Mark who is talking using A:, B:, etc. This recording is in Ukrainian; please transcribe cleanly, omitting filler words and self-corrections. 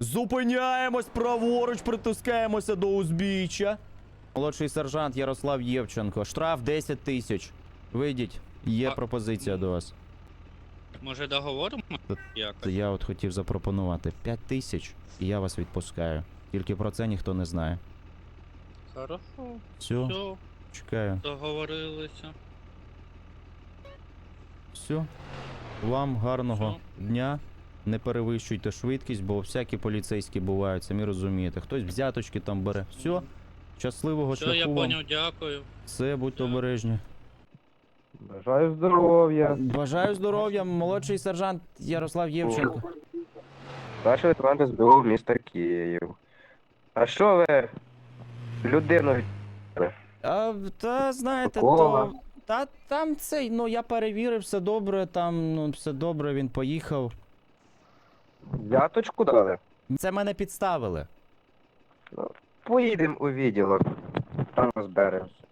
A: Зупиняємось праворуч, притискаємося до узбіччя. Молодший сержант Ярослав Євченко. Штраф 10 тисяч. Вийдіть, є пропозиція до вас.
B: Може договоримо? Якось?
A: Я от хотів запропонувати 5 тисяч, і я вас відпускаю. Тільки про це ніхто не знає.
B: Хорошо.
A: Все,
B: Все,
A: чекаю.
B: договорилися.
A: Все. Вам гарного
B: Все.
A: дня. Не перевищуйте швидкість, бо всякі поліцейські бувають, самі розумієте. Хтось взяточки там бере. Все. Щасливого
B: Все,
A: шляху
B: я
A: вам.
B: поняв, дякую.
A: Все, будьте
B: Дякую.
A: обережні.
C: Бажаю здоров'я.
A: Бажаю здоров'я, молодший сержант Ярослав Євченко.
C: Старший лейтенант СБУ міста Київ. А що ви людину?
A: Та знаєте,
C: Такого?
A: то. Та там цей, ну я перевірив, все добре, там, ну, все добре, він поїхав.
C: Взяточку дали?
A: Це мене підставили.
C: Поїдемо у відділок. Там розберемося.